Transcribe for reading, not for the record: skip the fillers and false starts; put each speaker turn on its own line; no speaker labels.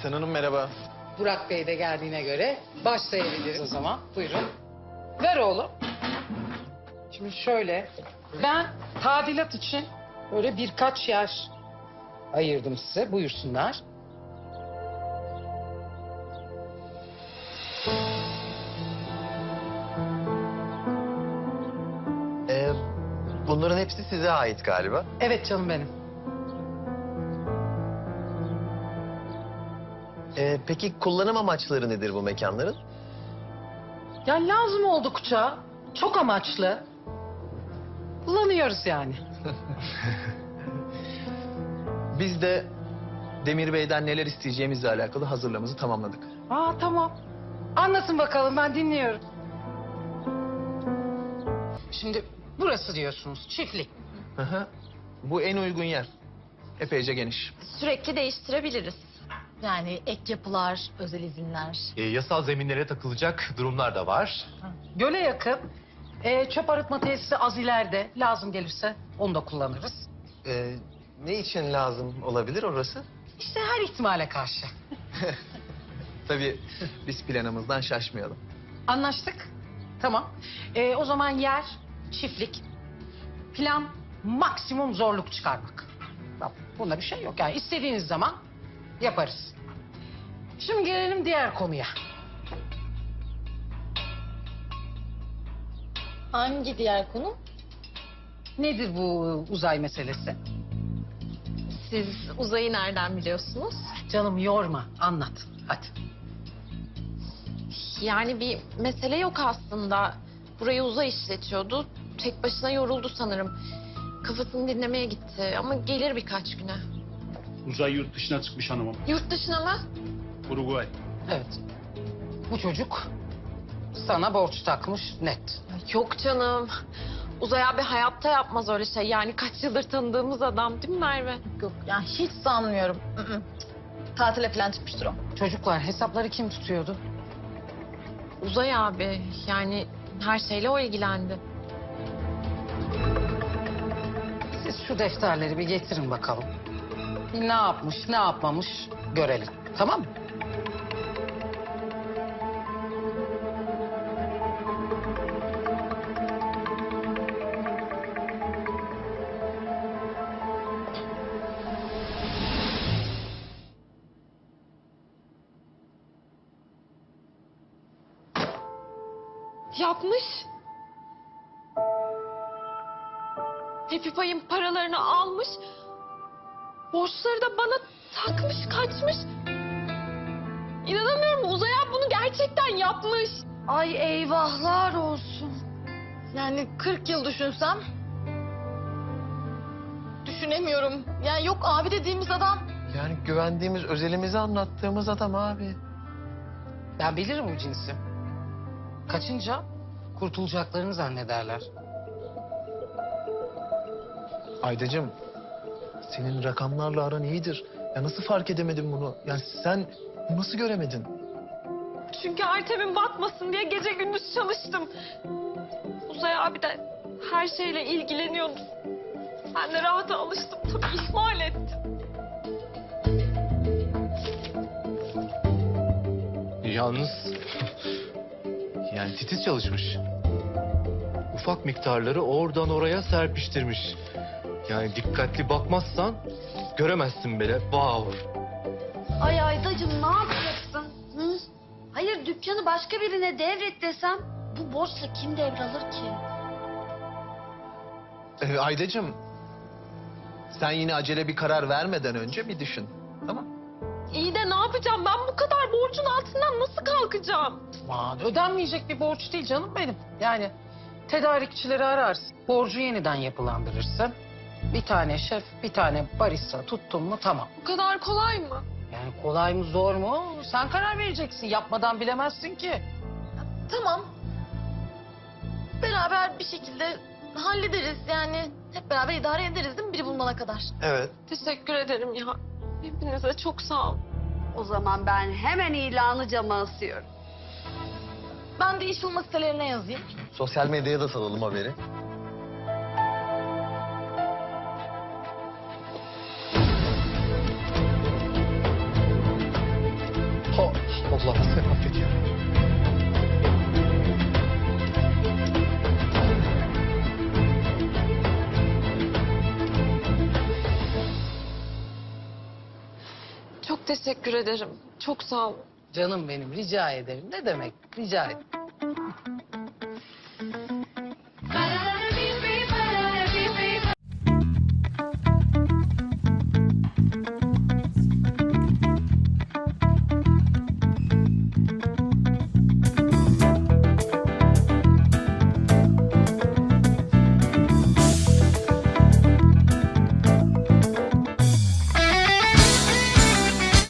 Aysen Hanım merhaba.
Burak Bey de geldiğine göre başlayabiliriz o zaman. Buyurun. Ver oğlum. Şimdi şöyle, ben tadilat için böyle birkaç yer ayırdım size. Buyursunlar.
Bunların hepsi size ait galiba.
Evet canım benim.
Peki kullanım amaçları nedir bu mekanların?
Ya lazım oldukça, çok amaçlı. Kullanıyoruz yani.
Biz de Demir Bey'den neler isteyeceğimizle alakalı hazırlığımızı tamamladık.
Aa tamam. Anlatın bakalım, ben dinliyorum. Şimdi burası diyorsunuz, çiftlik.
Hı hı. Bu en uygun yer. Epeyce geniş.
Sürekli değiştirebiliriz. Yani ek yapılar, özel izinler.
Yasal zeminlere takılacak durumlar da var.
Göle yakın. Çöp arıtma tesisi az ileride. Lazım gelirse onu da kullanırız.
Ne için lazım olabilir orası?
İşte her ihtimale karşı.
Tabii biz planımızdan şaşmayalım.
Anlaştık. Tamam. O zaman yer, çiftlik. Plan maksimum zorluk çıkarmak. Bak, bunda bir şey yok. Yani istediğiniz zaman yaparız. Şimdi gelelim diğer konuya.
Hangi diğer konu?
Nedir bu uzay meselesi?
Siz uzayı nereden biliyorsunuz?
Canım yorma, anlat. Hadi.
Yani bir mesele yok aslında. Burayı uzay işletiyordu. Tek başına yoruldu sanırım. Kafasını dinlemeye gitti ama gelir birkaç güne.
Uzay yurt dışına çıkmış hanımım.
Yurt dışına mı?
Uruguay.
Evet. Bu çocuk sana borç takmış net.
Yok canım. Uzay abi hayatta yapmaz öyle şey. Yani kaç yıldır tanıdığımız adam değil mi Merve?
Yok yani hiç sanmıyorum. Tatile falan çıkmıştır o.
Çocuklar, hesapları kim tutuyordu?
Uzay abi yani her şeyle o ilgilendi.
Siz şu defterleri bir getirin bakalım. Bir ne yapmış, ne yapmamış görelim. Tamam mı?
Yapmış. Happy Pie'ın paralarını almış. Borçları da bana takmış, kaçmış. İnanamıyorum, Uzay abi bunu gerçekten yapmış.
Ay eyvahlar olsun. Yani 40 yıl düşünsem... Düşünemiyorum. Yani yok abi dediğimiz adam.
Yani güvendiğimiz, özelimizi anlattığımız adam abi.
Ben bilirim bu cinsi. Kaçınca kurtulacaklarını zannederler.
Aydacığım, senin rakamlarla aran iyidir. Ya nasıl fark edemedin bunu? Yani sen nasıl göremedin?
Çünkü Artem'in batmasın diye gece gündüz çalıştım. Uzay abi de her şeyle ilgileniyordu. Ben de rahata alıştım tabii, ihmal ettim.
Yalnız yani titiz çalışmış. Ufak miktarları oradan oraya serpiştirmiş. Yani dikkatli bakmazsan göremezsin bile. Wow.
Ay Aydacığım ne yapacaksın? Hı? Hayır dükkanı başka birine devret desem bu borçla kim devralır ki?
Aydacığım, sen yine acele bir karar vermeden önce bir düşün. Tamam?
İyi de ne yapacağım? Ben bu kadar borcun altından nasıl kalkacağım?
Aman ödenmeyecek bir borç değil canım benim. Yani tedarikçileri ararsın. Borcu yeniden yapılandırırsın. Bir tane şef, bir tane barista tuttun mu tamam.
Bu kadar kolay mı?
Yani kolay mı zor mu? Sen karar vereceksin. Yapmadan bilemezsin ki.
Tamam. Beraber bir şekilde hallederiz. Yani hep beraber idare ederiz değil mi biri bulmana kadar?
Evet.
Teşekkür ederim ya. Hepinize çok sağ ol.
O zaman ben hemen ilanı cama asıyorum.
Ben de iş bulma sitelerine yazayım.
Sosyal medyaya da salalım haberi.
Allah'ım sen affet ya.
Çok teşekkür ederim. Çok sağ ol.
Canım benim rica ederim. Ne demek rica ederim.